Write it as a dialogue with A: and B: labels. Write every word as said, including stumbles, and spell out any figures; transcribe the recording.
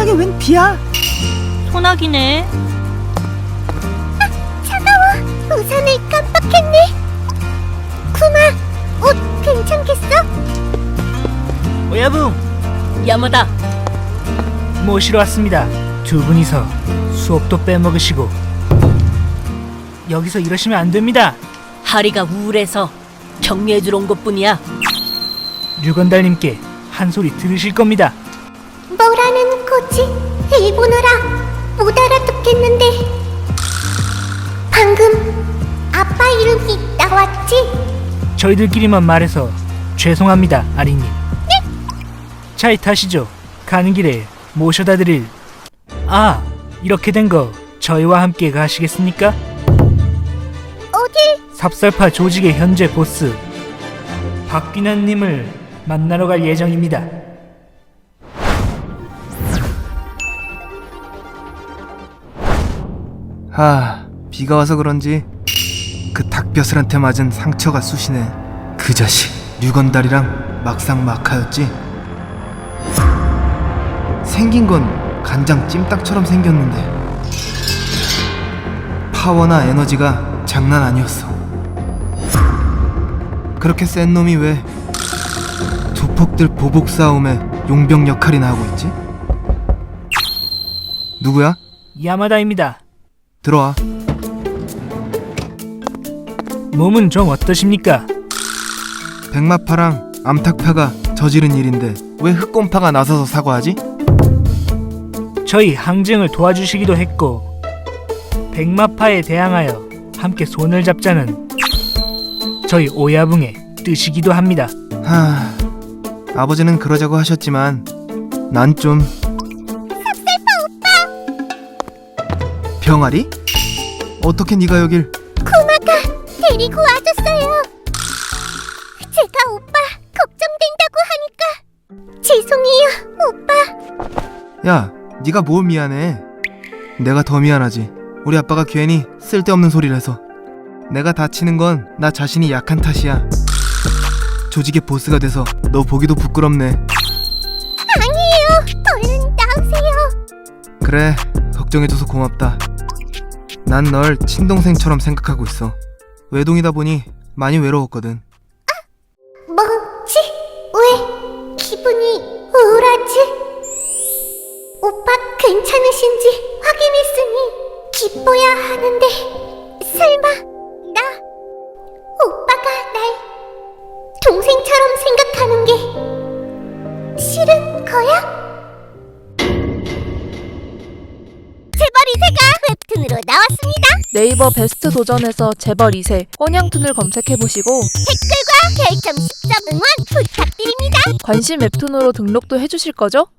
A: 세상에 웬 비야?
B: 소나기네.
C: 아, 차가워. 우산을 깜빡했네. 쿠마, 옷 괜찮겠어?
A: 오야붕,
B: 야마다.
A: 모시러 왔습니다. 두 분이서 수업도 빼먹으시고 여기서 이러시면 안 됩니다.
B: 하리가 우울해서 격려해주러 온 것뿐이야.
A: 류건달님께 한 소리 들으실 겁니다.
C: 뭐라는 거지? 일본어라 못 알아듣겠는데. 방금 아빠 이름이 나왔지?
A: 저희들끼리만 말해서 죄송합니다, 아리님. 차에 타시죠. 가는 길에 모셔다 드릴. 아, 이렇게 된 거 저희와 함께 가시겠습니까?
C: 어딜?
A: 삽살파 조직의 현재 보스 박귀난님을 만나러 갈 예정입니다.
D: 하, 비가 와서 그런지 그 닭벼슬한테 맞은 상처가 쑤시네. 그 자식 류건달이랑 막상 막하였지. 생긴 건 간장 찜닭처럼 생겼는데 파워나 에너지가 장난 아니었어. 그렇게 센 놈이 왜 조폭들 보복 싸움에 용병 역할이나 하고 있지? 누구야?
A: 야마다입니다.
D: 들어와.
A: 몸은 좀 어떠십니까?
D: 백마파랑 암탉파가 저지른 일인데 왜 흑곰파가 나서서 사과하지?
A: 저희 항쟁을 도와주시기도 했고 백마파에 대항하여 함께 손을 잡자는 저희 오야붕의 뜻이기도 합니다.
D: 하... 아버지는 그러자고 하셨지만 난 좀...
C: 삽살파 오빠!
D: 병아리? 어떻게 네가 여길...
C: 쿠마가 데리고 와줬어요. 제가 오빠 걱정된다고 하니까 죄송해요, 오빠.
D: 야, 네가 뭘 미안해. 내가 더 미안하지. 우리 아빠가 괜히 쓸데없는 소리를 해서. 내가 다치는 건 나 자신이 약한 탓이야. 조직의 보스가 돼서 너 보기도 부끄럽네.
C: 아니에요. 얼른 나오세요.
D: 그래, 걱정해줘서 고맙다. 난 널 친동생처럼 생각하고 있어. 외동이다 보니 많이 외로웠거든.
C: 뭐지? 왜 기분이 우울하지? 오빠 괜찮으신지 확인했으니 기뻐야 하는데 설마 나 오빠가 날 동생처럼 생각하는 게 싫은 거야? 재벌 이 세가 웹툰으로 나왔습니다.
E: 네이버 베스트 도전에서 재벌 이 세 언양툰을 검색해보시고
C: 댓글과 별점 십 점 응원 부탁드립니다.
E: 관심 웹툰으로 등록도 해주실 거죠?